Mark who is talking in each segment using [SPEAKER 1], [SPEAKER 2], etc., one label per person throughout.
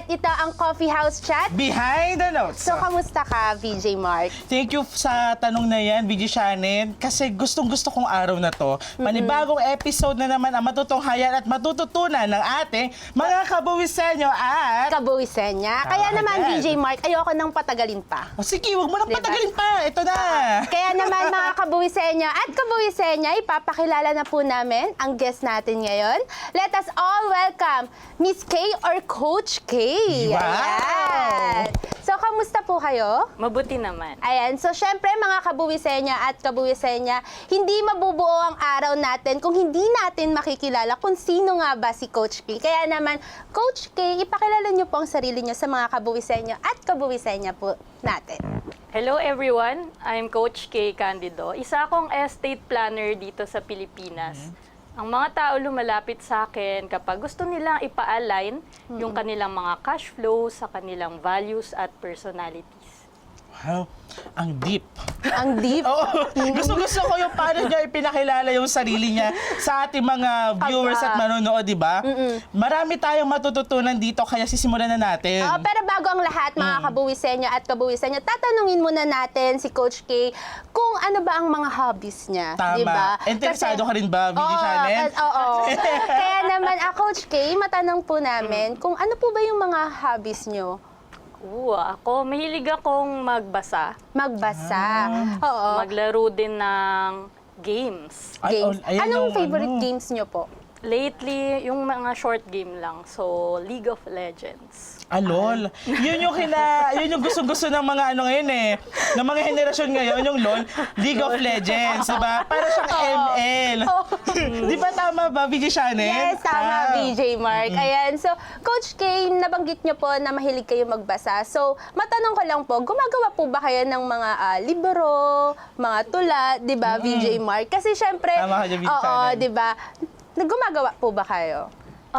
[SPEAKER 1] ito ang Coffee House Chat.
[SPEAKER 2] Behind the Notes.
[SPEAKER 1] So, kamusta ka, VJ Mark?
[SPEAKER 2] Thank you sa tanong na yan, VJ Shannon, kasi gustong-gusto kong araw na to. Panibagong episode na naman ang matutunghayan at matututunan ng ating mga kabuwisenyo at...
[SPEAKER 1] Kabuwisenya. Kaya naman, VJ Mark, ayoko nang patagalin pa.
[SPEAKER 2] O sige, huwag mo nang
[SPEAKER 1] Diba?
[SPEAKER 2] patagalin pa. Ito na.
[SPEAKER 1] Kaya naman, mga kabuwisenya at kabuwisenya, ipapakilala na po namin ang guest natin ngayon. Let us all welcome Miss K or Coach K.
[SPEAKER 2] Wow!
[SPEAKER 1] Ayan. So, kamusta po kayo?
[SPEAKER 3] Mabuti naman.
[SPEAKER 1] Ayan, so syempre mga kabuwisenya at kabuwisenya, hindi mabubuo ang araw natin kung hindi natin makikilala kung sino nga ba si Coach K. Kaya naman, Coach K, ipakilala niyo po ang sarili niyo sa mga kabuwisenya at kabuwisenya po natin.
[SPEAKER 3] Hello everyone, I'm Coach K. Candido. Isa akong estate planner dito sa Pilipinas. Ang mga tao lumalapit sa akin kapag gusto nilang ipa-align yung kanilang mga cash flow sa kanilang values at personalities.
[SPEAKER 2] Wow, ang deep.
[SPEAKER 1] Ang deep.
[SPEAKER 2] Oo, gusto-gusto ko yung paano niya ipinakilala yung sarili niya sa ating mga viewers at manonood, di ba? Marami tayong matututunan dito, kaya sisimulan na natin.
[SPEAKER 1] Pero bago ang lahat, mga kabuwisenya at kabuwisenya, tatanungin muna natin si Coach K kung ano ba ang mga hobbies niya.
[SPEAKER 2] Tama.
[SPEAKER 1] Diba?
[SPEAKER 2] Interesado ka rin ba, VJ Shannon?
[SPEAKER 1] Oo. Kaya naman, Coach K, matanong po namin kung ano po ba yung mga hobbies niyo?
[SPEAKER 3] Ako, mahilig akong magbasa,
[SPEAKER 1] Magbasa. Oo.
[SPEAKER 3] maglaro din ng games.
[SPEAKER 2] Ay,
[SPEAKER 1] Games.
[SPEAKER 2] ayan
[SPEAKER 1] Anong
[SPEAKER 2] yung
[SPEAKER 1] favorite
[SPEAKER 2] ano.
[SPEAKER 1] games niyo po?
[SPEAKER 3] Lately, yung mga short game lang. So, League of Legends.
[SPEAKER 2] LOL. Yun yung gusto-gusto ng mga ano ngayon eh. Ng mga henerasyon ngayon, yung LOL, League of Legends, diba? Para siyang ML. Di ba tama ba, VJ Shannon?
[SPEAKER 1] Yes, tama, VJ Mark. Ayan. So, Coach K, nabanggit niyo po na mahilig kayo magbasa. So, matanong ko lang po, gumagawa po ba kayo ng mga libro, mga tula, di ba, VJ Mark? Kasi syempre,
[SPEAKER 2] Tama ka dyan, VJ
[SPEAKER 1] oo,
[SPEAKER 2] Shannon.
[SPEAKER 1] di ba? Gumagawa po ba kayo?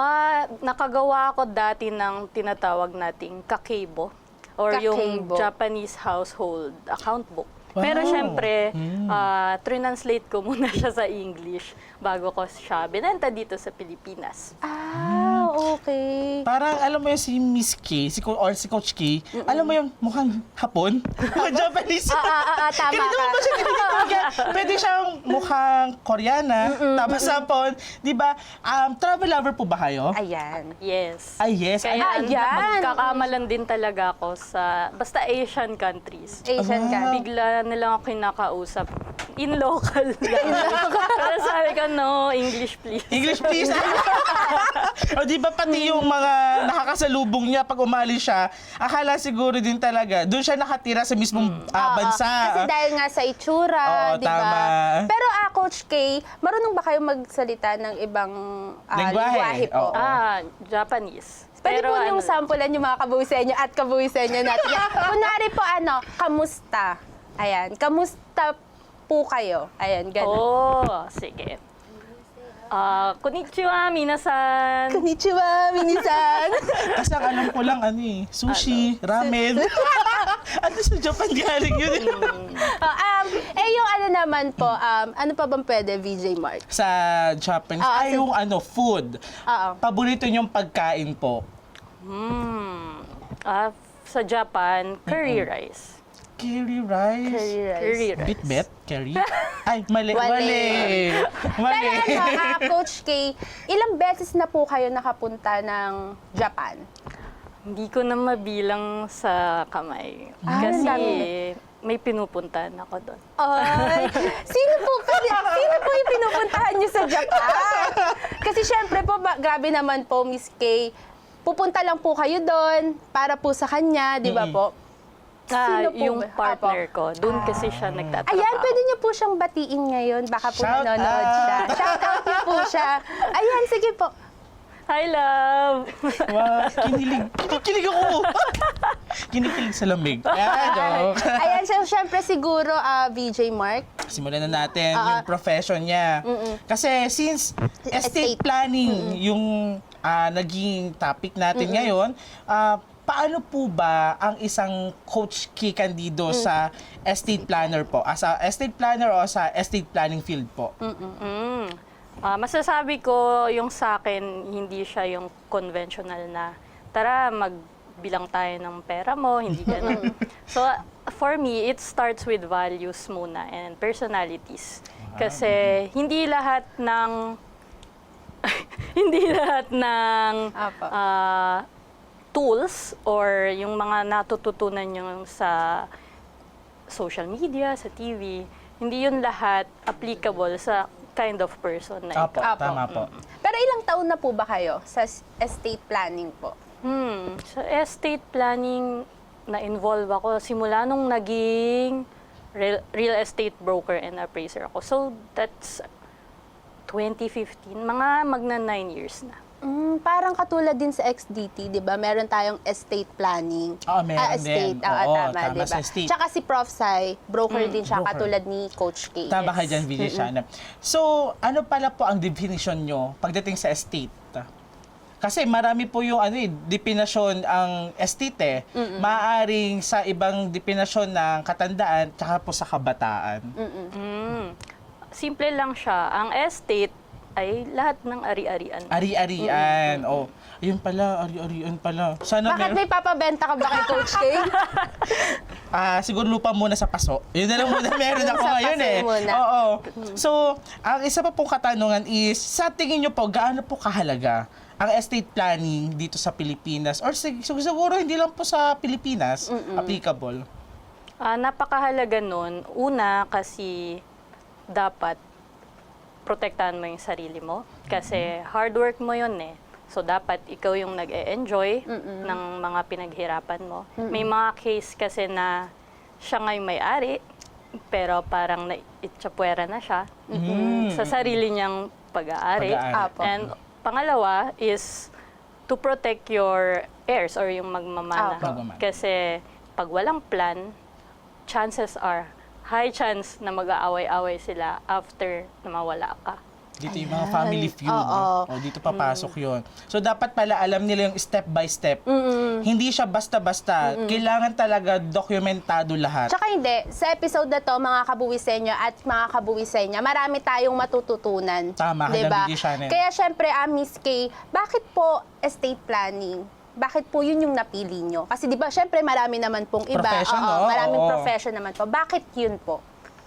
[SPEAKER 3] Nakagawa ako dati ng tinatawag nating kakeibo or yung
[SPEAKER 1] Kakeibo.
[SPEAKER 3] Japanese household account book.
[SPEAKER 2] Wow.
[SPEAKER 3] Pero syempre, translate ko muna siya sa English bago ko siya binenta dito sa Pilipinas.
[SPEAKER 1] Okay.
[SPEAKER 2] Parang alam mo yung si Miss K, si Coach K, alam mo yung mukhang Hapon? Mukhang Japanese.
[SPEAKER 1] Tama
[SPEAKER 2] Ganito
[SPEAKER 1] ka.
[SPEAKER 2] ba siya tinitawag? Pwede siyang mukhang Koreana, tapos Hapon. Di ba? Travel lover po ba kayo?
[SPEAKER 1] Ayan.
[SPEAKER 3] Yes.
[SPEAKER 2] Ay, yes.
[SPEAKER 3] Kaya
[SPEAKER 1] Ayan.
[SPEAKER 3] magkakamalan din talaga ako sa basta Asian countries.
[SPEAKER 1] Asian ka.
[SPEAKER 3] Bigla na lang ako kinakausap. In local lang. Pero sabi ko, no, English please.
[SPEAKER 2] English please. O di ba pati yung mga nakakasalubong niya pag umalis siya, akala siguro din talaga, doon siya nakatira sa mismong bansa.
[SPEAKER 1] Kasi dahil nga sa itsura,
[SPEAKER 2] Oo,
[SPEAKER 1] di ba?
[SPEAKER 2] tama.
[SPEAKER 1] Pero Coach K, marunong ba kayo magsalita ng ibang
[SPEAKER 2] Lengguwahe?
[SPEAKER 1] po?
[SPEAKER 2] Oo.
[SPEAKER 3] Japanese.
[SPEAKER 1] Pwede po yung
[SPEAKER 3] ano,
[SPEAKER 1] sampulan yung mga kabuwisenyo at kabuwisenyo natin. Kunwari po, kamusta? Ayan, kamusta po kayo? Ayan, gano'n.
[SPEAKER 3] sige. Konnichiwa, minasan.
[SPEAKER 1] Konnichiwa, minisan.
[SPEAKER 2] Kasi ang alam ko lang, sushi, ramen. Ano sa Japan galing yun?
[SPEAKER 1] Yung naman po, ano pa bang pwede, VJ Mark?
[SPEAKER 2] Sa Japanese, yung food. Paborito niyong pagkain po?
[SPEAKER 3] Sa Japan, curry rice.
[SPEAKER 2] Curry rice.
[SPEAKER 3] Curry rice.
[SPEAKER 2] Bitbet? Curry? Ay, mali.
[SPEAKER 1] Wali.
[SPEAKER 2] Mali.
[SPEAKER 1] Pero Coach K, ilang beses na po kayo nakapunta ng Japan?
[SPEAKER 3] Hindi ko na mabilang sa kamay.
[SPEAKER 1] ang
[SPEAKER 3] Kasi
[SPEAKER 1] dami.
[SPEAKER 3] may pinupuntahan ako doon.
[SPEAKER 1] Ay, sino po yung pinupuntahan niyo sa Japan? Kasi syempre po, grabe naman po, Miss K, pupunta lang po kayo doon para po sa kanya, di ba po? Sino po
[SPEAKER 3] Yung
[SPEAKER 1] ba?
[SPEAKER 3] partner ko, doon kasi siya nagtatrabaho.
[SPEAKER 1] Ayan, pwede niyo po siyang batiin ngayon. Baka po
[SPEAKER 2] Shout
[SPEAKER 1] nanonood
[SPEAKER 2] out!
[SPEAKER 1] siya. Shout out niyo po siya. Ayan, sige po.
[SPEAKER 3] Hi, love!
[SPEAKER 2] Wow, kinikilig ako. Kinikilig sa lamig. Joke.
[SPEAKER 1] Ayan, so syempre siguro, VJ Mark.
[SPEAKER 2] Simulan na natin yung profession niya. Kasi since estate planning yung naging topic natin ngayon, paano po ba ang isang Coach K Candido sa estate planner po? As a estate planner o sa estate planning field po?
[SPEAKER 3] Masasabi ko yung sa akin, hindi siya yung conventional na, tara, magbilang tayo ng pera mo, hindi ganun. So, for me, it starts with values muna and personalities. Kasi hindi lahat ng hindi lahat ng
[SPEAKER 1] Apo.
[SPEAKER 3] tools or yung mga natututunan nyo sa social media, sa TV, hindi yun lahat applicable sa kind of person na
[SPEAKER 2] Apo,
[SPEAKER 3] ikaw.
[SPEAKER 1] Apo.
[SPEAKER 2] tama po.
[SPEAKER 1] Pero ilang taon na po ba kayo sa estate planning po?
[SPEAKER 3] Sa estate planning, na-involve ako simula nung naging real estate broker and appraiser ako. So, that's 2015. Mga magna 9 years na.
[SPEAKER 1] Parang katulad din sa XDT, di ba? Meron tayong estate planning.
[SPEAKER 2] Oo, meron
[SPEAKER 1] estate.
[SPEAKER 2] din.
[SPEAKER 1] Oo,
[SPEAKER 2] Oo,
[SPEAKER 1] tama,
[SPEAKER 2] tama,
[SPEAKER 1] di ba?
[SPEAKER 2] sa estate.
[SPEAKER 1] Tsaka si Prof. Sai, broker din siya,
[SPEAKER 2] broker.
[SPEAKER 1] katulad ni Coach K.
[SPEAKER 2] Tama ka dyan, Vijay. So, ano pala po ang definition nyo pagdating sa estate? Kasi marami po yung definasyon ang estate Maaring sa ibang definasyon ng katandaan tsaka po sa kabataan.
[SPEAKER 3] Simple lang siya. Ang estate ay lahat ng ari-arian.
[SPEAKER 2] Ari-arian. Oh, yun pala, ari-arian pala. Sana
[SPEAKER 1] Bakit may papabenta ka ba kay Coach K?
[SPEAKER 2] siguro lupa muna sa paso. Yun na lang muna meron ako
[SPEAKER 1] Sa
[SPEAKER 2] ngayon
[SPEAKER 1] paso
[SPEAKER 2] eh.
[SPEAKER 1] muna.
[SPEAKER 2] Oo. So, ang isa pa pong katanungan is, sa tingin nyo po, gaano po kahalaga ang estate planning dito sa Pilipinas? Or siguro hindi lang po sa Pilipinas applicable?
[SPEAKER 3] Napakahalaga nun. Una, kasi dapat protektahan mo yung sarili mo. Kasi hard work mo yun eh. So, dapat ikaw yung nag-e-enjoy ng mga pinaghirapan mo. May mga case kasi na siya ngayong may-ari, pero parang naitsapwera na siya sa sarili niyang pag-aari.
[SPEAKER 1] Apo.
[SPEAKER 3] And pangalawa is to protect your heirs or yung magmamana.
[SPEAKER 1] Apo.
[SPEAKER 2] Magmamana.
[SPEAKER 3] Kasi pag walang plan, chances are high chance na mag-aaway-away sila after na mawala ka.
[SPEAKER 2] Dito yung mga family feud.
[SPEAKER 1] Oo.
[SPEAKER 2] O, dito papasok yun. So, dapat pala alam nila yung step by step. Hindi siya basta-basta. Kailangan talaga dokumentado lahat.
[SPEAKER 1] Tsaka hindi, sa episode na to, mga kabuwisenyo at mga kabuwisenya, marami tayong matututunan.
[SPEAKER 2] Tama,
[SPEAKER 1] diba?
[SPEAKER 2] Hadang Shannon.
[SPEAKER 1] Kaya syempre, Miss K, bakit po estate planning? Bakit po yun yung napili nyo? Kasi di ba, syempre marami naman pong iba.
[SPEAKER 2] Profession,
[SPEAKER 1] Oo,
[SPEAKER 2] no?
[SPEAKER 1] maraming
[SPEAKER 2] Oo.
[SPEAKER 1] profession naman po. Bakit yun po?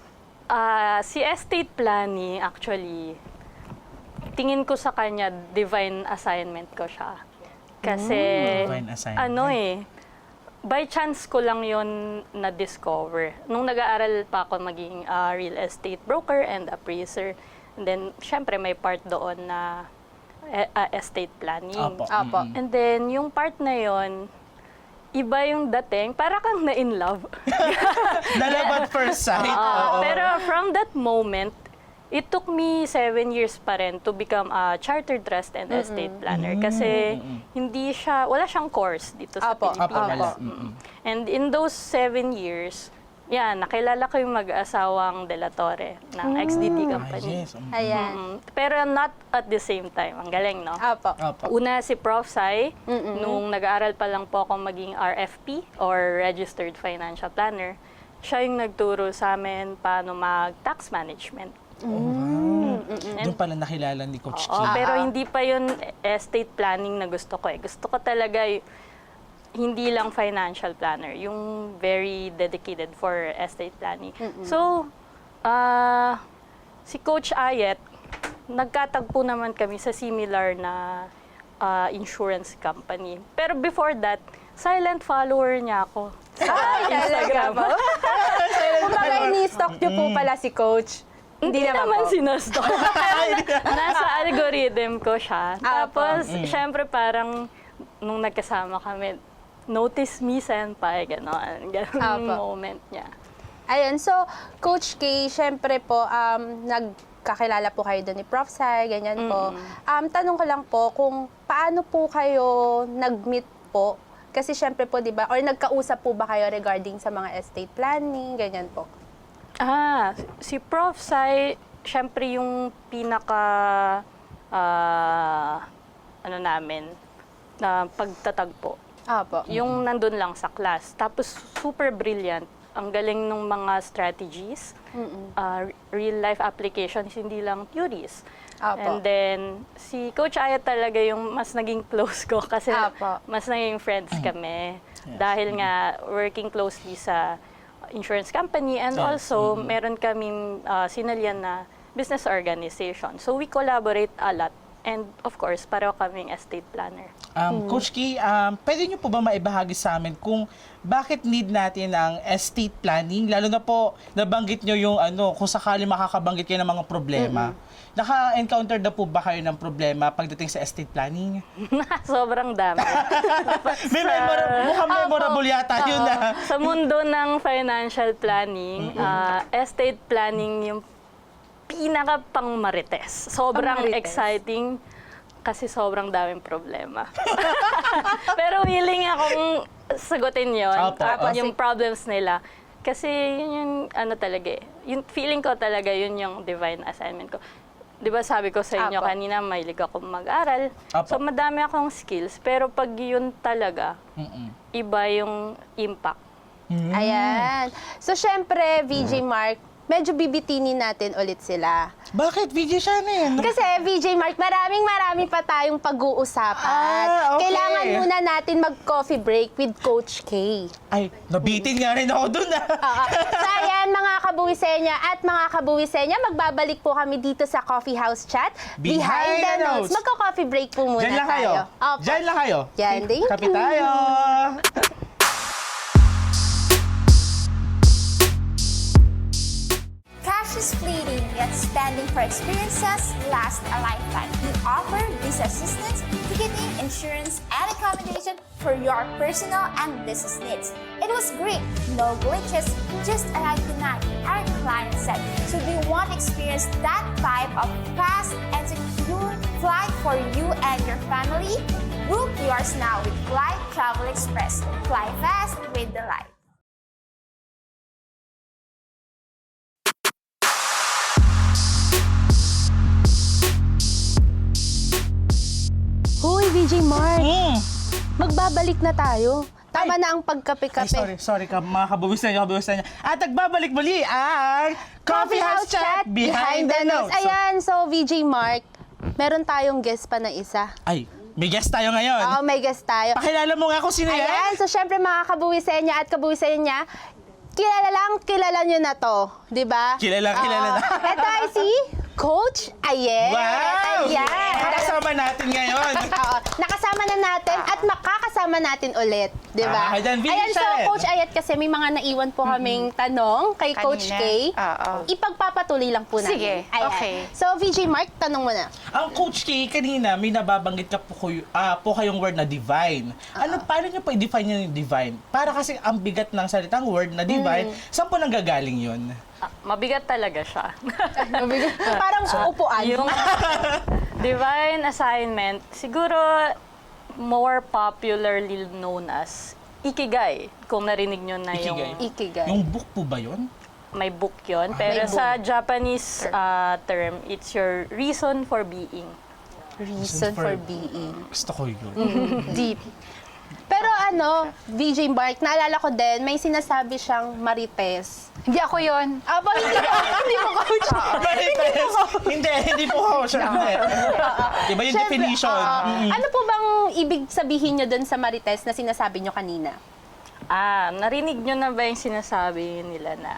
[SPEAKER 3] Si estate planning, actually, tingin ko sa kanya, divine assignment ko siya. Kasi,
[SPEAKER 2] Divine assignment.
[SPEAKER 3] by chance ko lang yon na-discover. Nung nag-aaral pa ako maging real estate broker and appraiser, and then, syempre, may part doon na estate planning.
[SPEAKER 2] Apo.
[SPEAKER 1] Apo.
[SPEAKER 3] And then, yung part na yon iba yung dating, para kang na-in love.
[SPEAKER 2] Love at first sight. Oo.
[SPEAKER 3] Pero from that moment, it took me 7 years pa rin to become a chartered trust and estate planner. Kasi hindi siya, wala siyang course dito sa
[SPEAKER 1] Apo.
[SPEAKER 2] Apo,
[SPEAKER 3] Pilipinas.
[SPEAKER 2] wala.
[SPEAKER 3] And in those 7 years, nakilala ko yung mag-asawang De La Torre ng XDT
[SPEAKER 2] Ah,
[SPEAKER 3] company.
[SPEAKER 2] yes.
[SPEAKER 1] Ayan.
[SPEAKER 3] Pero not at the same time. Ang galing, no?
[SPEAKER 1] Apo.
[SPEAKER 2] Apo.
[SPEAKER 3] Una si Prof. Sai, nung nag-aaral pa lang po ako maging RFP or Registered Financial Planner, siya yung nagturo sa amin paano mag-tax management.
[SPEAKER 2] Doon pala nakilala ni Coach K.
[SPEAKER 3] Pero hindi pa yun estate planning na gusto ko eh. Gusto ko talaga hindi lang financial planner, yung very dedicated for estate planning. So, si Coach Ayet, nagkatagpo naman kami sa similar na insurance company. Pero before that, silent follower niya ako sa Instagram.
[SPEAKER 1] Kumbaga, ini-stalk nyo po pala si Coach.
[SPEAKER 3] Hindi naman sinastok. Nasa algorithm ko siya. Tapos, syempre parang, nung nagkasama kami, notice me, senpai, gano'n. Gano'n moment niya.
[SPEAKER 1] Ayun, so, Coach K, syempre po, nagkakilala po kayo doon ni Prof. Sai, ganyan po. Tanong ko lang po, kung paano po kayo nag-meet po? Kasi syempre po, di ba, or nagkausap po ba kayo regarding sa mga estate planning, ganyan po?
[SPEAKER 3] Si Prof. Sai, syempre yung pinaka, namin, na pagtatagpo.
[SPEAKER 1] Apo.
[SPEAKER 3] Yung nandun lang sa class. Tapos, super brilliant. ang galing ng mga strategies, real-life applications, hindi lang theories.
[SPEAKER 1] Apo.
[SPEAKER 3] And then, si Coach Ayat talaga yung mas naging close ko kasi
[SPEAKER 1] Apo.
[SPEAKER 3] mas naging friends kami. Dahil nga, working closely sa insurance company and
[SPEAKER 2] Yes.
[SPEAKER 3] also, meron kaming sinalyan na business organization. So, we collaborate a lot. And of course, pareho kaming estate planner.
[SPEAKER 2] Coach Kay, pwede niyo po ba maibahagi sa amin kung bakit need natin ang estate planning? Lalo na po, nabanggit niyo yung kung sakali makakabanggit kayo ng mga problema. Naka-encounter na po ba kayo ng problema pagdating sa estate planning?
[SPEAKER 3] Sobrang dami.
[SPEAKER 2] Mukhang memorable yata yun na.
[SPEAKER 3] Sa mundo ng financial planning, estate planning yung pinaka pang marites. Sobrang
[SPEAKER 1] Pang-marites.
[SPEAKER 3] exciting kasi sobrang daming problema. Pero willing akong sagutin yon,
[SPEAKER 2] Opo.
[SPEAKER 3] yung problems nila. Kasi yun yung talaga yung feeling ko talaga yun yung divine assignment ko. 'Di ba sabi ko sa inyo
[SPEAKER 1] Opo.
[SPEAKER 3] kanina, mahilig ako mag-aral.
[SPEAKER 2] Opo.
[SPEAKER 3] So madami akong skills, pero pag yun talaga, iba yung impact.
[SPEAKER 1] Ayan. So, syempre, VJ Mark, medyo bibitinin natin ulit sila.
[SPEAKER 2] Bakit? VJ Shannon?
[SPEAKER 1] Kasi VJ Mark, maraming pa tayong pag-uusapan.
[SPEAKER 2] Okay.
[SPEAKER 1] Kailangan muna natin mag-coffee break with Coach K.
[SPEAKER 2] Ay, nabitin nga rin ako dun
[SPEAKER 1] So ayan, mga kabuwisenya at mga kabuwisenya, magbabalik po kami dito sa Coffee House Chat
[SPEAKER 2] Behind the Notes.
[SPEAKER 1] Magko-coffee break po muna
[SPEAKER 2] Diyan lang kayo.
[SPEAKER 1] tayo. Opo.
[SPEAKER 2] Diyan lang kayo.
[SPEAKER 1] Yan, thank
[SPEAKER 2] Kape
[SPEAKER 1] you.
[SPEAKER 2] tayo.
[SPEAKER 4] Cash is fleeting, yet spending for experiences lasts a lifetime. We offer visa assistance, ticketing, insurance, and accommodation for your personal and business needs. It was great, no glitches, just arrive tonight, our client said. So do you want to experience that type of fast and secure flight for you and your family? Book yours now with Fly Travel Express. Fly fast with delight.
[SPEAKER 1] Hoy, VJ Mark,
[SPEAKER 2] Mm.
[SPEAKER 1] magbabalik na tayo. Tama na ang
[SPEAKER 2] Ay,
[SPEAKER 1] pagkape-kape.
[SPEAKER 2] sorry ka, mga kabuwis na nyo. At nagbabalik muli ang Coffee House Chat Behind the Notes.
[SPEAKER 1] Ayan, so VJ Mark, meron tayong guest pa na isa.
[SPEAKER 2] Ay, may guest tayo ngayon.
[SPEAKER 1] Oo, may guest tayo.
[SPEAKER 2] Pakilala mo nga kung sino yan.
[SPEAKER 1] Ayan, so syempre mga kabuwisenya at kabuwisenya, kilala nyo na to, di ba?
[SPEAKER 2] Kilala na.
[SPEAKER 1] Ito ay si Coach Ayet.
[SPEAKER 2] Wow!
[SPEAKER 1] Ayan.
[SPEAKER 2] Kasama natin ngayon.
[SPEAKER 1] Oo, nakasama na natin at makakasama natin ulit, di ba?
[SPEAKER 2] Ayan,
[SPEAKER 1] Ayan, so
[SPEAKER 2] Vincent.
[SPEAKER 1] Coach Ayet kasi may mga naiwan po kaming tanong kay Coach K.
[SPEAKER 5] Oo.
[SPEAKER 1] Ipagpapatuloy lang po natin.
[SPEAKER 5] Sige,
[SPEAKER 1] Ayan.
[SPEAKER 5] okay.
[SPEAKER 1] So VJ Mark, tanong mo na.
[SPEAKER 2] Ang Coach K, kanina may nababanggit ka po kayong word na divine. Paano nyo po i-define yung divine? Para kasi ang bigat ng salitang word na divine, saan po nanggagaling yun?
[SPEAKER 3] Mabigat talaga siya.
[SPEAKER 1] Parang upuan.
[SPEAKER 3] Yung divine assignment, siguro more popularly known as Ikigai. Kung narinig nyo na yung
[SPEAKER 1] Ikigai.
[SPEAKER 2] Yung book po ba yun?
[SPEAKER 3] may book yun. Pero sa Japanese term, it's your reason for being.
[SPEAKER 1] Reason for being.
[SPEAKER 2] Gusto ko yun.
[SPEAKER 1] Deep. Pero VJ Mark, naalala ko din, may sinasabi siyang marites.
[SPEAKER 5] Hindi ako yon.
[SPEAKER 1] Aba, hindi mo coach.
[SPEAKER 2] Marites! Hindi po ako. Siyempre. Diba yung
[SPEAKER 1] Siyempre,
[SPEAKER 2] definition?
[SPEAKER 1] Ano po bang ibig sabihin nyo dun sa marites na sinasabi nyo kanina?
[SPEAKER 3] Narinig nyo na ba yung sinasabi nila na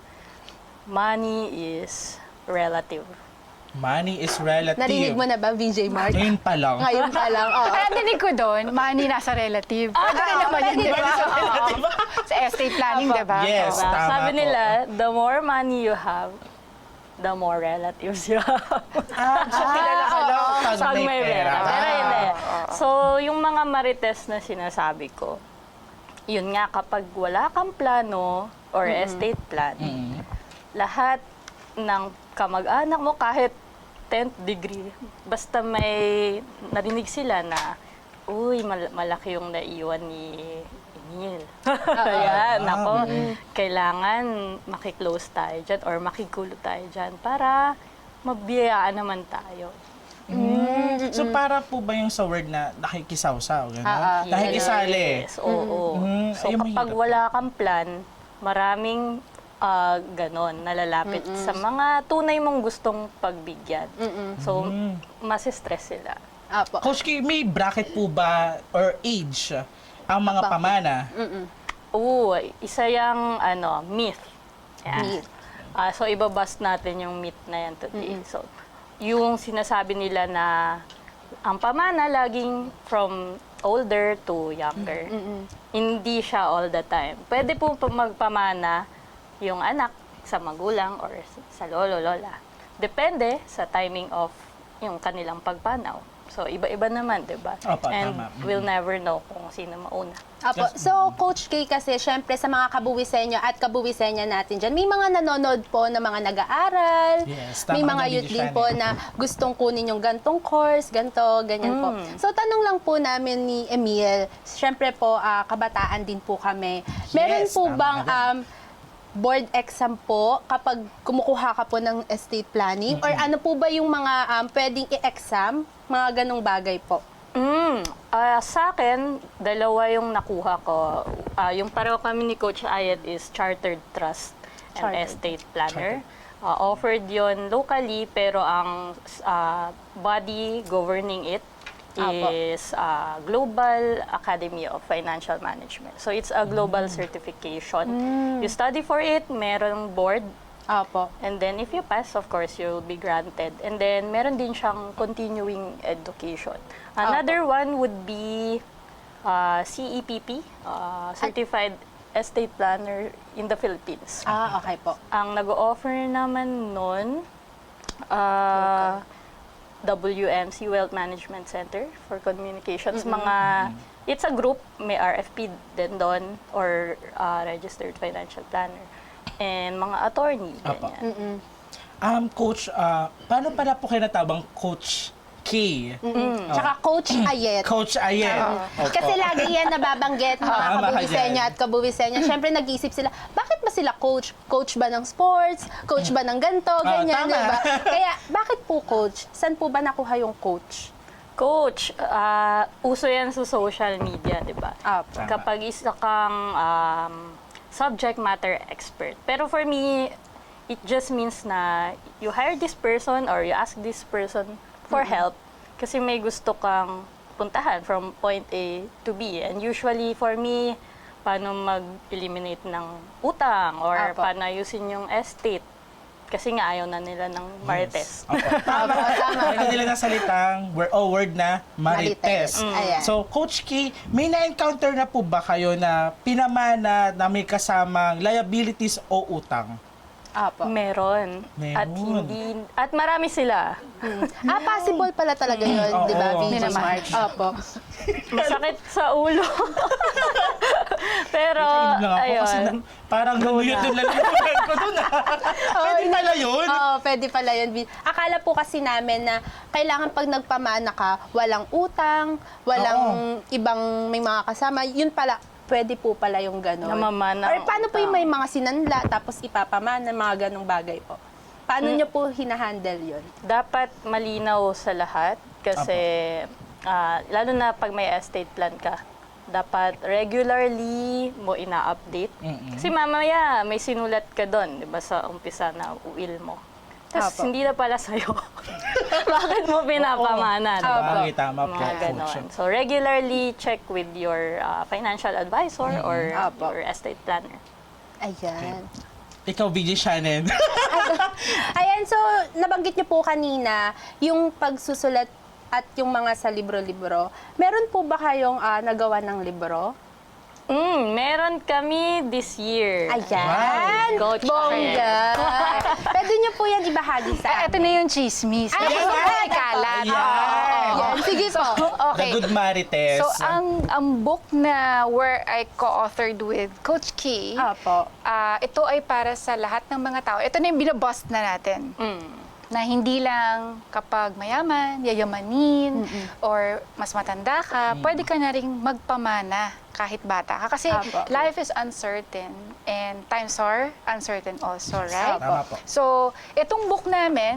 [SPEAKER 3] money is relative?
[SPEAKER 2] Money is relative.
[SPEAKER 1] Narinig mo na ba, VJ Mark?
[SPEAKER 2] Ngayon pa lang.
[SPEAKER 1] Ngayon pa lang, oo.
[SPEAKER 5] Kaya dinig ko doon, money nasa relative. Pwede rin naman yun, di ba? Oo. Sa estate planning, di ba?
[SPEAKER 2] Yes,
[SPEAKER 3] Diba?
[SPEAKER 2] tama
[SPEAKER 3] Sabi
[SPEAKER 2] po.
[SPEAKER 3] nila, the more money you have, the more relatives you have.
[SPEAKER 2] So, kilala ka lang pag
[SPEAKER 3] Pag
[SPEAKER 2] may pera.
[SPEAKER 3] Pero hindi. So, yung mga marites na sinasabi ko, yun nga, kapag wala kang plano or estate plan, lahat ng kamag-anak mo, kahit 10th degree, basta may narinig sila na, uy, malaki yung naiwan ni Emil. Ayan, nako, kailangan makiklose tayo dyan or makigulo tayo dyan para mabiyayaan naman tayo.
[SPEAKER 2] So, para po ba yung sa word na nakikisawsaw? Gano'n? Nakikisali?
[SPEAKER 3] Yes, oo.
[SPEAKER 2] Mm,
[SPEAKER 3] So,
[SPEAKER 2] ayun,
[SPEAKER 3] kapag
[SPEAKER 2] mahirap.
[SPEAKER 3] wala kang plan, maraming ganon nalalapit sa mga tunay mong gustong pagbigyan. So, masistress sila.
[SPEAKER 1] Apo.
[SPEAKER 2] Coach K, may bracket po ba or age ang mga pamana?
[SPEAKER 3] Oo, isa yung myth. Yan.
[SPEAKER 1] Myth.
[SPEAKER 3] So, ibabust natin yung myth na yan today. So, yung sinasabi nila na ang pamana laging from older to younger. Hindi siya all the time. Pwede po magpamana yung anak sa magulang or sa lolo, lola. Depende sa timing of yung kanilang pagpanaw. So, iba-iba naman, di ba?
[SPEAKER 2] Opo,
[SPEAKER 3] And
[SPEAKER 2] tama.
[SPEAKER 3] we'll never know kung sino mauna.
[SPEAKER 1] Apo. So, Coach K kasi, syempre sa mga kabuwisenyo at kabuwisenya natin dyan, may mga nanonood po na mga nag-aaral,
[SPEAKER 2] Yes,
[SPEAKER 1] may
[SPEAKER 2] tama
[SPEAKER 1] mga
[SPEAKER 2] ka,
[SPEAKER 1] youth
[SPEAKER 2] Lady
[SPEAKER 1] din
[SPEAKER 2] Shani.
[SPEAKER 1] po na gustong kunin yung gantong course, ganyan po. So, tanong lang po namin ni Emil, syempre po, kabataan din po kami. Meron
[SPEAKER 2] Yes,
[SPEAKER 1] po
[SPEAKER 2] tama
[SPEAKER 1] bang
[SPEAKER 2] ka
[SPEAKER 1] board exam po kapag kumukuha ka po ng estate planning? Or ano po ba yung mga pwedeng i-exam? Mga ganong bagay po.
[SPEAKER 3] Sa akin, dalawa yung nakuha ko. Yung pareho kami ni Coach Ayed is Chartered Trust and
[SPEAKER 1] Chartered.
[SPEAKER 3] Estate Planner. Offered yon locally, pero ang body governing it
[SPEAKER 1] Apo.
[SPEAKER 3] is Global Academy of Financial Management. So it's a global certification. You study for it, merong board,
[SPEAKER 1] Apo.
[SPEAKER 3] and then if you pass, of course, you'll be granted. And then meron din siyang continuing education. Another one would be CEPP, Certified Estate Planner in the Philippines.
[SPEAKER 1] Okay po.
[SPEAKER 3] Ang nag-offer naman nun, WMC Wealth Management Center for Communications. It's a group, may RFP din doon, or Registered Financial Planner. And mga attorney,
[SPEAKER 2] Apo.
[SPEAKER 3] ganyan.
[SPEAKER 2] Coach, paano pala po kayo natawag Coach K?
[SPEAKER 1] Tsaka Coach Ayet.
[SPEAKER 2] Coach Ayen. Opo.
[SPEAKER 1] Kasi lagi yan nababanggit mga
[SPEAKER 2] Tama ka
[SPEAKER 1] kabuwisenya
[SPEAKER 2] dyan.
[SPEAKER 1] at kabuwisenya. Siyempre nag-iisip sila, bakit ba sila coach? Coach ba ng sports? Coach ba ng ganito? Ganyan,
[SPEAKER 2] tama.
[SPEAKER 1] di ba? Kaya, bakit po coach? Saan po ba nakuha yung coach?
[SPEAKER 3] Coach, uso yan sa social media, di ba?
[SPEAKER 1] Apo.
[SPEAKER 2] Tama.
[SPEAKER 3] Kapag isa kang subject matter expert. Pero for me, it just means na you hire this person or you ask this person for help kasi may gusto kang puntahan from point A to B. And usually for me, paano mag-eliminate ng utang or
[SPEAKER 1] Apo.
[SPEAKER 3] paano ayusin yung estate. Kasi nga ayaw na nila ng marites.
[SPEAKER 2] Opo.
[SPEAKER 1] Tama.
[SPEAKER 2] Ayaw nila ng salitang word na marites.
[SPEAKER 1] Ayan.
[SPEAKER 2] So, Coach K, may na-encounter na po ba kayo na pinamana na may kasamang liabilities o utang?
[SPEAKER 1] Apo.
[SPEAKER 3] Meron.
[SPEAKER 2] Meron.
[SPEAKER 3] At marami sila.
[SPEAKER 1] Possible pala talaga yun,
[SPEAKER 2] Oo.
[SPEAKER 1] di ba?
[SPEAKER 2] Hindi
[SPEAKER 1] VJ
[SPEAKER 5] naman.
[SPEAKER 1] Smart. Opo.
[SPEAKER 3] Masakit sa ulo. Pero,
[SPEAKER 2] Inom lang ako kasi
[SPEAKER 3] ayun.
[SPEAKER 2] parang nanuyot yung lalimutan ko dun. Pwede pala yun.
[SPEAKER 1] Oo, pwede pala yun. Akala po kasi namin na kailangan pag nagpamana ka, walang utang, walang ibang may mga kasama. Yun pala, pwede po pala yung gano'n.
[SPEAKER 3] Namamana
[SPEAKER 1] Or
[SPEAKER 3] ang
[SPEAKER 1] paano po
[SPEAKER 3] utang.
[SPEAKER 1] yung may mga sinanla tapos ipapamana, mga ganong bagay po? Paano nyo po hinahandle yun?
[SPEAKER 3] Dapat malinaw sa lahat kasi lalo na pag may estate plan ka, dapat regularly mo ina-update. Kasi mamaya may sinulat ka doon, di ba, sa umpisa na will mo. Tapos
[SPEAKER 1] Apo.
[SPEAKER 3] hindi na pala sa'yo. Bakit mo pinapamana? di ba?
[SPEAKER 2] Bagay, tama po.
[SPEAKER 3] Mga ganon. So regularly check with your financial advisor or
[SPEAKER 1] Apo.
[SPEAKER 3] your estate planner.
[SPEAKER 1] Ayan.
[SPEAKER 2] Ikaw, VJ Shannon.
[SPEAKER 1] Ayan, so nabanggit niyo po kanina yung pagsusulat at yung mga sa libro-libro. Meron po ba kayong nagawa ng libro?
[SPEAKER 3] Meron kami this year.
[SPEAKER 1] Ayan!
[SPEAKER 3] Wow. Coach
[SPEAKER 1] Bongga! Pwede niyo po yan ibahagi sa
[SPEAKER 5] Ito
[SPEAKER 1] amin.
[SPEAKER 5] na yung chismis.
[SPEAKER 1] Ay,
[SPEAKER 5] Yes,
[SPEAKER 1] ay,
[SPEAKER 5] kalat.
[SPEAKER 2] Ayan.
[SPEAKER 1] Yan, sige po.
[SPEAKER 2] The Good Marites.
[SPEAKER 5] So, ang book na where I co-authored with Coach K,
[SPEAKER 1] Apo.
[SPEAKER 5] ito ay para sa lahat ng mga tao. Ito na yung binabust na natin. Na hindi lang kapag mayaman, yayamanin, or mas matanda ka, pwede ka na rin magpamana kahit bata ka. Kasi
[SPEAKER 1] Apo.
[SPEAKER 5] life is uncertain and times are uncertain also, right?
[SPEAKER 2] Tama po.
[SPEAKER 5] So, itong book namin,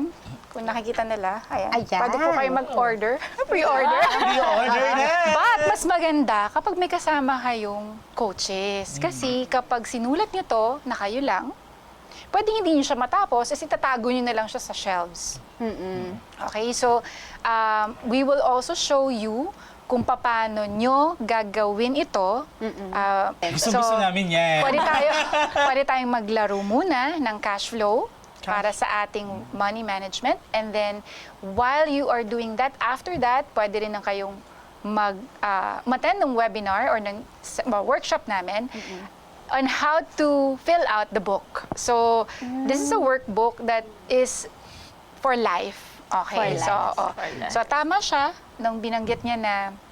[SPEAKER 5] Kung nakikita nila, ayan.
[SPEAKER 1] Ayan.
[SPEAKER 5] Pwede po kayo mag-order. Pre-order.
[SPEAKER 2] Pre-order na!
[SPEAKER 5] But mas maganda kapag may kasama kayong coaches. Kasi kapag sinulat nyo to na kayo lang, pwedeng hindi nyo siya matapos kasi tatago nyo na lang siya sa shelves. Okay, so we will also show you kung paano nyo gagawin ito.
[SPEAKER 2] Gusto namin yan.
[SPEAKER 5] Pwede tayong maglaro muna ng cash flow para sa ating money management. And then, while you are doing that, after that, pwede rin na kayong mag-attend ng webinar or ng workshop namin on how to fill out the book. So, this is a workbook that is for life. Okay.
[SPEAKER 1] For life.
[SPEAKER 5] So, tama siya nung binanggit niya na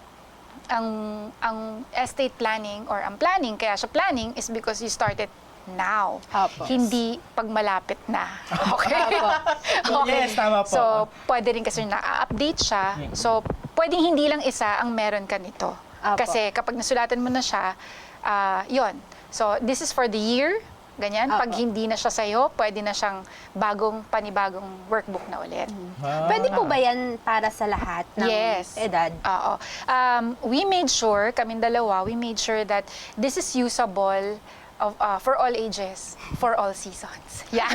[SPEAKER 5] ang estate planning or ang planning, kaya siya planning is because you started now.
[SPEAKER 1] Opo.
[SPEAKER 5] Hindi pag malapit na. Okay?
[SPEAKER 2] Yes, tama po.
[SPEAKER 5] So, pwede rin kasi na-update siya. So, pwedeng hindi lang isa ang meron ka nito.
[SPEAKER 1] Opo.
[SPEAKER 5] Kasi kapag nasulatan mo na siya, yon. So, this is for the year. Ganyan. Pag
[SPEAKER 1] Opo.
[SPEAKER 5] hindi na siya sa'yo, pwede na siyang panibagong workbook na ulit.
[SPEAKER 1] Pwede po ba yan para sa lahat ng
[SPEAKER 5] Yes.
[SPEAKER 1] edad?
[SPEAKER 5] Oo. We made sure, kaming dalawa, we made sure that this is usable for all ages, for all seasons. Yeah.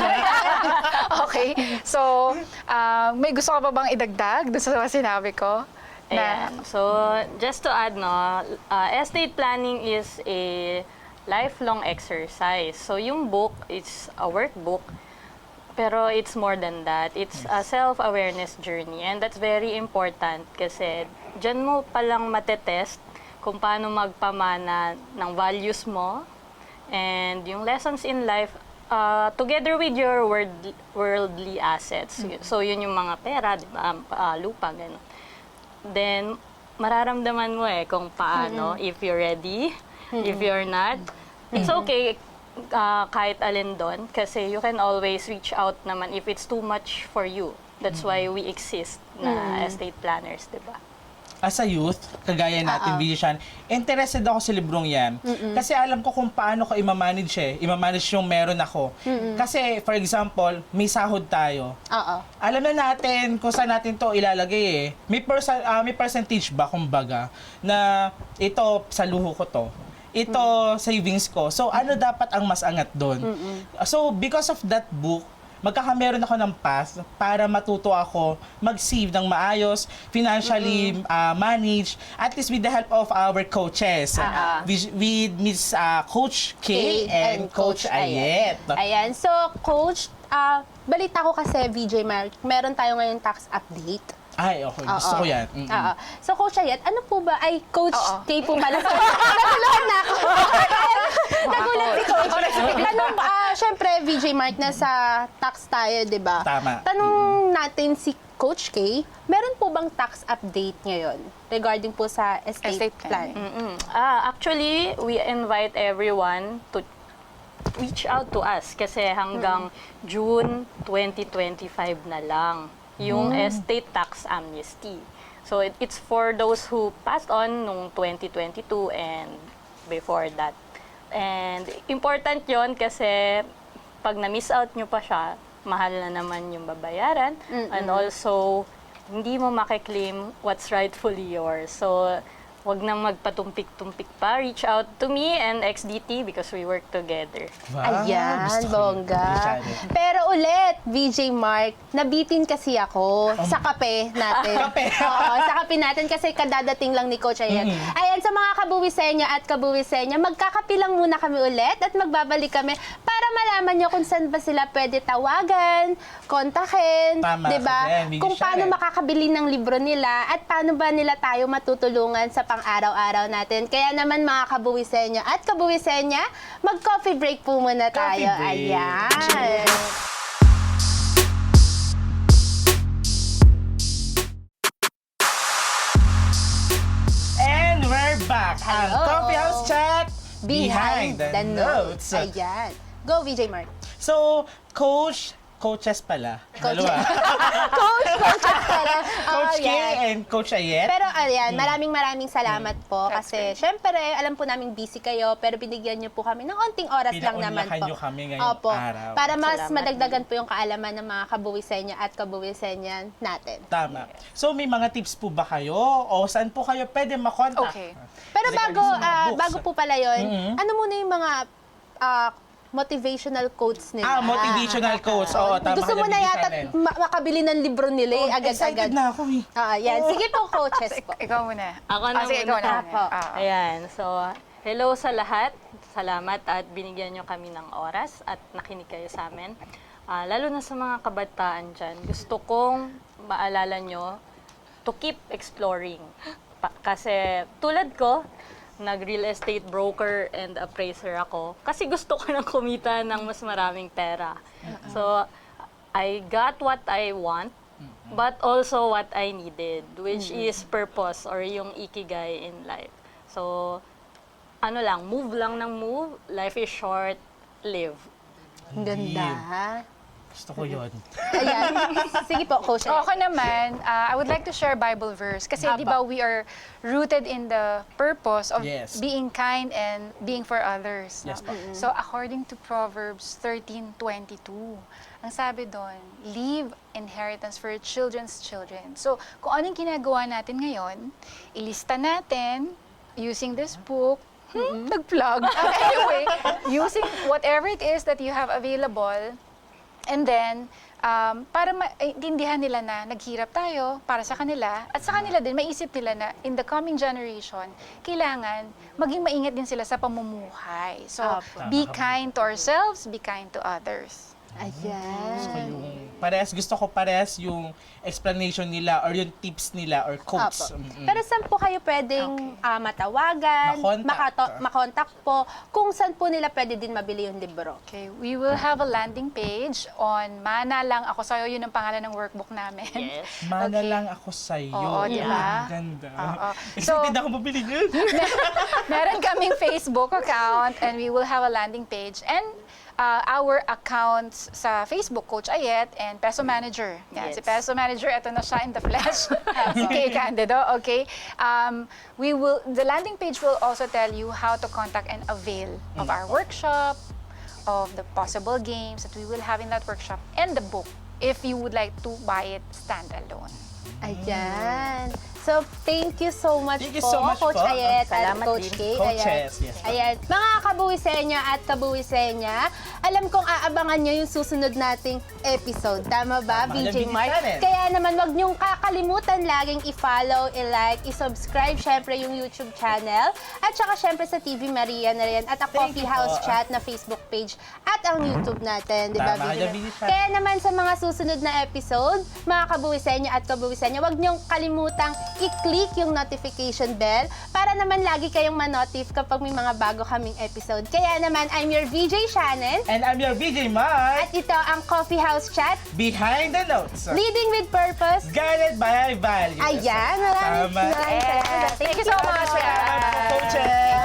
[SPEAKER 5] Okay. So, may gusto ka pa bang idagdag doon sa sinabi ko?
[SPEAKER 3] Ayan. So, just to add, no, estate planning is a lifelong exercise. So, yung book, it's a workbook, pero it's more than that. It's a self-awareness journey, and that's very important kasi dyan mo palang matetest kung paano magpamana ng values mo and yung lessons in life together with your worldly assets. So, yun yung mga pera, di ba? Lupa, gano'n. Then, mararamdaman mo kung paano, if you're ready, if you're not. It's okay kahit alin doon kasi you can always reach out naman if it's too much for you. That's why we exist na estate planners, di ba?
[SPEAKER 2] As a youth, kagaya natin, Vision, interested ako sa librong yan. Kasi alam ko kung paano ko i-manage i-manage yung meron ako. Kasi, for example, may sahod tayo.
[SPEAKER 1] Oo.
[SPEAKER 2] Alam na natin kung saan natin to ilalagay May percentage ba, kumbaga, na ito, sa luho ko to. Ito, savings ko. So, ano dapat ang mas angat doon? So, because of that book, magkakameron ako ng path para matuto ako mag-save ng maayos, financially manage, at least with the help of our coaches. With Miss Coach K and Coach Ayet.
[SPEAKER 1] Ayan. So, Coach, balita ko kasi, VJ Mark, meron tayo ngayon tax update.
[SPEAKER 2] Ay, okay. Gusto ko yan.
[SPEAKER 1] Oo. So, Coach Ayet, ano po ba? Ay, Coach K po pala. Natuluhan na ako. Nagulat si Coach. Tanong, syempre, VJ Mark, nasa tax tayo, di ba?
[SPEAKER 2] Tama.
[SPEAKER 1] Tanong natin si Coach K, meron po bang tax update ngayon regarding po sa estate
[SPEAKER 5] Estate plan.
[SPEAKER 1] plan?
[SPEAKER 3] Actually, we invite everyone to reach out to us kasi hanggang June 2025 na lang yung estate tax amnesty. So it's for those who passed on nung 2022 and before that. And important yon kasi pag na-miss out nyo pa siya, mahal na naman yung babayaran. And also, hindi mo makiklaim what's rightfully yours. So, wag nang magpatumpik-tumpik pa. Reach out to me and XDT because we work together.
[SPEAKER 2] Wow,
[SPEAKER 1] Ayan,
[SPEAKER 2] gusto ko yun.
[SPEAKER 1] bongga. Pero ulit, VJ Mark, nabitin kasi ako sa kape natin.
[SPEAKER 2] Kape?
[SPEAKER 1] Oo, sa kape natin kasi kadadating lang ni Coach Ayet. Ayan, sa mga kabuwisenya at kabuwisenya, magkakape lang muna kami ulit at magbabalik kami para malaman nyo kung saan ba sila pwede tawagan, kontakin,
[SPEAKER 2] Tama,
[SPEAKER 1] di ba?
[SPEAKER 2] Bigyan
[SPEAKER 1] Kung
[SPEAKER 2] siya
[SPEAKER 1] paano makakabili ng libro nila at paano ba nila tayo matutulungan sa pang-araw-araw natin. Kaya naman mga kabuwisenya at kabuwisenya, mag-coffee break po muna tayo.
[SPEAKER 2] Coffee break.
[SPEAKER 1] Ayan.
[SPEAKER 2] And we're back. Ang
[SPEAKER 1] Hello.
[SPEAKER 2] Coffee House Chat
[SPEAKER 1] Behind the notes.
[SPEAKER 2] notes.
[SPEAKER 1] Ayan. Go, VJ Mark.
[SPEAKER 2] So, Coach coaches pala. Dalawa.
[SPEAKER 1] Coaches pala.
[SPEAKER 2] Coach
[SPEAKER 1] Oh,
[SPEAKER 2] K
[SPEAKER 1] yan.
[SPEAKER 2] and Coach Ayet.
[SPEAKER 1] Pero ayan, maraming salamat po
[SPEAKER 5] That's
[SPEAKER 1] kasi syempre alam po namin busy kayo pero binigyan niyo po kami ng onting oras lang naman
[SPEAKER 2] Pinaunlakan
[SPEAKER 1] po.
[SPEAKER 2] niyo kami ngayong
[SPEAKER 1] Opo.
[SPEAKER 2] araw.
[SPEAKER 1] Para mas
[SPEAKER 3] Salamat
[SPEAKER 1] madagdagan po yung kaalaman ng mga kabuwisenya at kabuwisenya natin.
[SPEAKER 2] Tama. So may mga tips po ba kayo? O saan po kayo pwede makontak?
[SPEAKER 5] Okay.
[SPEAKER 1] Pero
[SPEAKER 2] Kasi
[SPEAKER 1] bago
[SPEAKER 2] kayo sa mga books.
[SPEAKER 1] bago po pala 'yon,
[SPEAKER 2] Mhm.
[SPEAKER 1] ano muna yung mga motivational quotes nila?
[SPEAKER 2] Motivational quotes. Oo, tama.
[SPEAKER 1] Gusto mo na yata makabili ng libro nila
[SPEAKER 2] Oh,
[SPEAKER 1] agad-agad.
[SPEAKER 2] excited na ako eh.
[SPEAKER 1] Yan. Sige po, coaches po.
[SPEAKER 5] Ikaw muna.
[SPEAKER 3] Ako na
[SPEAKER 5] Sige,
[SPEAKER 3] muna.
[SPEAKER 5] ikaw na.
[SPEAKER 1] Apo.
[SPEAKER 3] Ayan, so hello sa lahat. Salamat at binigyan nyo kami ng oras at nakinig kayo sa amin. Lalo na sa mga kabataan dyan, gusto kong maalala nyo to keep exploring. Kasi tulad ko, nag-real estate broker and appraiser ako kasi gusto ko nang kumita ng mas maraming pera. So, I got what I want, but also what I needed, which is purpose or yung ikigai in life. So, ano lang, move lang ng move, life is short, live.
[SPEAKER 1] Ang ganda.
[SPEAKER 2] Gusto ko yun.
[SPEAKER 1] Ayan. Sige po, coach.
[SPEAKER 5] Ako naman, I would like to share Bible verse. Kasi di ba we are rooted in the purpose of
[SPEAKER 2] Yes.
[SPEAKER 5] being kind and being for others.
[SPEAKER 2] Yes,
[SPEAKER 5] no?
[SPEAKER 2] po.
[SPEAKER 5] So according to Proverbs 13:22, ang sabi doon, leave inheritance for your children's children. So kung anong ginagawa natin ngayon, ilista natin using this book, nag-plug. Anyway, using whatever it is that you have available, and then, para maintindihan nila na naghirap tayo para sa kanila, at sa kanila din, maisip nila na in the coming generation, kailangan maging maingat din sila sa pamumuhay. So,
[SPEAKER 1] Apo.
[SPEAKER 5] be kind to ourselves, be kind to others.
[SPEAKER 1] Ayan.
[SPEAKER 2] Gusto ko parehas yung explanation nila or yung tips nila or quotes.
[SPEAKER 1] Apo. Pero saan po kayo pwedeng matawagan,
[SPEAKER 2] Makontak.
[SPEAKER 1] makontak po, kung saan po nila pwede din mabili yung libro?
[SPEAKER 5] Okay, we will have a landing page on Mana Lang Ako Sa'yo. Yun ang pangalan ng workbook namin.
[SPEAKER 3] Yes.
[SPEAKER 2] Mana
[SPEAKER 5] Okay.
[SPEAKER 2] lang ako sa'yo.
[SPEAKER 5] Oo, di ba?
[SPEAKER 2] Ang ganda.
[SPEAKER 5] Oo.
[SPEAKER 2] Excited
[SPEAKER 5] So-
[SPEAKER 2] ako mabili yun.
[SPEAKER 5] Meron kaming Facebook account and we will have a landing page and our accounts sa Facebook, Coach Ayet and Peso Manager. Yan,
[SPEAKER 3] Yes.
[SPEAKER 5] si Peso Manager, ito na siya in the flesh. Si Kay Candido, okay? The landing page will also tell you how to contact and avail of our workshop, of the possible games that we will have in that workshop, and the book if you would like to buy it standalone.
[SPEAKER 1] Ayan. So, thank you so much
[SPEAKER 2] Thank you
[SPEAKER 1] po,
[SPEAKER 2] so much
[SPEAKER 1] Coach
[SPEAKER 2] po.
[SPEAKER 1] Ayet at
[SPEAKER 3] Salamat
[SPEAKER 1] Coach
[SPEAKER 3] din.
[SPEAKER 1] K.
[SPEAKER 2] Coaches, yes po.
[SPEAKER 1] Ayan. Mga kabuwisenya at kabuwisenya, alam kong aabangan nyo yung susunod nating episode. Tama ba,
[SPEAKER 2] Tama.
[SPEAKER 1] BJ
[SPEAKER 2] Yan,
[SPEAKER 1] Mark?
[SPEAKER 2] Channel.
[SPEAKER 1] Kaya naman, wag nyong kakalimutan laging i-follow, i-like, i-subscribe, syempre yung YouTube channel. At saka syempre sa TV Maria na rin. At ang
[SPEAKER 2] Thank
[SPEAKER 1] Coffee
[SPEAKER 2] you
[SPEAKER 1] House
[SPEAKER 2] po.
[SPEAKER 1] Chat na Facebook page. At ang YouTube natin. Di ba,
[SPEAKER 2] Tama
[SPEAKER 1] BJ
[SPEAKER 2] ka,
[SPEAKER 1] Mark?
[SPEAKER 2] BJ Mark.
[SPEAKER 1] Kaya naman sa mga susunod na episode, mga kabuwisenya at kabuwisenya, wag niyong kalimutang i-click yung notification bell para naman lagi kayong manotif kapag may mga bago kaming episode. Kaya naman, I'm your VJ Shannon
[SPEAKER 2] And I'm your BJ Mark.
[SPEAKER 1] at ito ang Coffee House Chat,
[SPEAKER 2] Behind the Notes.
[SPEAKER 1] leading with purpose.
[SPEAKER 2] Guided by values.
[SPEAKER 1] Ayan, maraming
[SPEAKER 2] Tama.
[SPEAKER 1] salamat.
[SPEAKER 5] Thank you so much.
[SPEAKER 2] Salamat po, coaches.